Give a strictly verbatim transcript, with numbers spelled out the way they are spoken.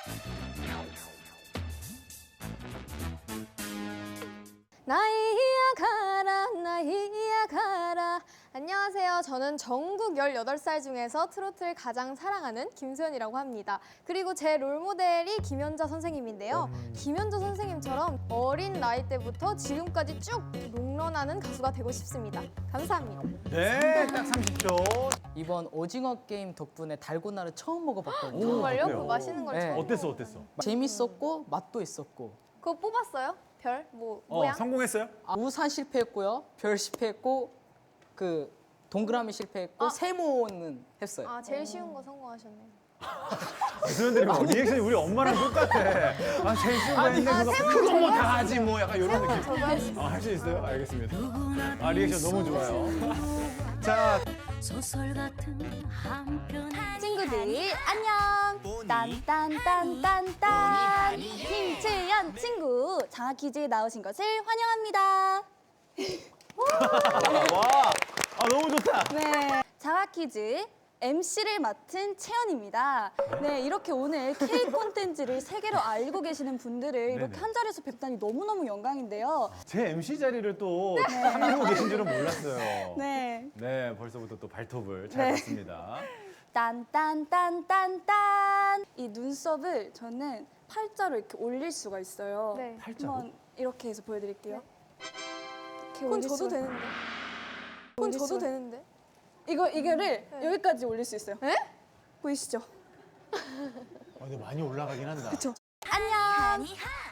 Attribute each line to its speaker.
Speaker 1: 나이야 가라 나이야 가라. 안녕하세요. 저는 전국 열여덟 살 중에서 트로트를 가장 사랑하는 김소연이라고 합니다. 그리고 제 롤모델이 김연자 선생님인데요.
Speaker 2: 음.
Speaker 1: 김연자 선생님처럼 어린 나이 때부터 지금까지 쭉 롱런하는 가수가 되고 싶습니다. 감사합니다.
Speaker 2: 네, 딱 삼십 초.
Speaker 3: 이번 오징어 게임 덕분에 달고나를 처음 먹어봤거든요.
Speaker 1: 정말요?
Speaker 2: 어때요?
Speaker 1: 그 맛있는 걸
Speaker 3: 네.
Speaker 1: 처음
Speaker 2: 어땠어,
Speaker 1: 먹어요.
Speaker 2: 어땠어?
Speaker 3: 재밌었고 맛도 있었고.
Speaker 1: 그거 뽑았어요? 별? 뭐
Speaker 2: 어,
Speaker 1: 모양?
Speaker 2: 성공했어요?
Speaker 3: 아, 우산 실패했고요. 별 실패했고 그 동그라미 실패했고
Speaker 1: 아.
Speaker 3: 세모는 했어요.
Speaker 1: 아 제일 쉬운 거 성공하셨네요.
Speaker 2: 수현들이 뭐 리액션이 우리 엄마랑 똑같아. 아, 제일 쉬운 거 했는데
Speaker 1: 아,
Speaker 2: 그거
Speaker 1: 세모
Speaker 2: 그거 뭐
Speaker 1: 제가
Speaker 2: 다 하지 뭐 약간 이런 느낌.
Speaker 1: 저도 할 수 있어요.
Speaker 2: 아, 할 수 있어요? 알겠습니다. 아, 리액션 너무 좋아요. 자,
Speaker 4: 소설 같은 한편
Speaker 1: 친구들 안녕. 딴딴딴딴딴 김채연 친구 장학 퀴즈에 나오신 것을 환영합니다.
Speaker 2: 와, 아, 너무 좋다.
Speaker 1: 네, 장학 퀴즈 엠씨를 맡은 채연입니다. 네, 이렇게 오늘 K 콘텐츠를 세계로 알고 계시는 분들을 이렇게
Speaker 2: 네네.
Speaker 1: 한 자리에서 뵙다니 너무너무 영광인데요.
Speaker 2: 제 엠씨 자리를 또 참여하고 계신 줄은 몰랐어요.
Speaker 1: 네.
Speaker 2: 네, 벌써부터 또 발톱을 잘
Speaker 1: 네.
Speaker 2: 봤습니다.
Speaker 1: 딴딴딴딴딴 이 눈썹을 저는 팔자로 이렇게 올릴 수가 있어요.
Speaker 5: 네.
Speaker 2: 팔자로?
Speaker 1: 한번 이렇게 해서 보여드릴게요. 이렇게
Speaker 5: 그건
Speaker 1: 올릴
Speaker 5: 저도
Speaker 1: 수가-
Speaker 5: 되는데. 그건
Speaker 1: 올릴
Speaker 5: 저도
Speaker 1: 수가-
Speaker 5: 되는데.
Speaker 1: 이거 이거를 여기까지 올릴 수 있어요.
Speaker 5: 에?
Speaker 1: 보이시죠?
Speaker 2: 아, 근데 많이 올라가긴 한다.
Speaker 1: 안녕.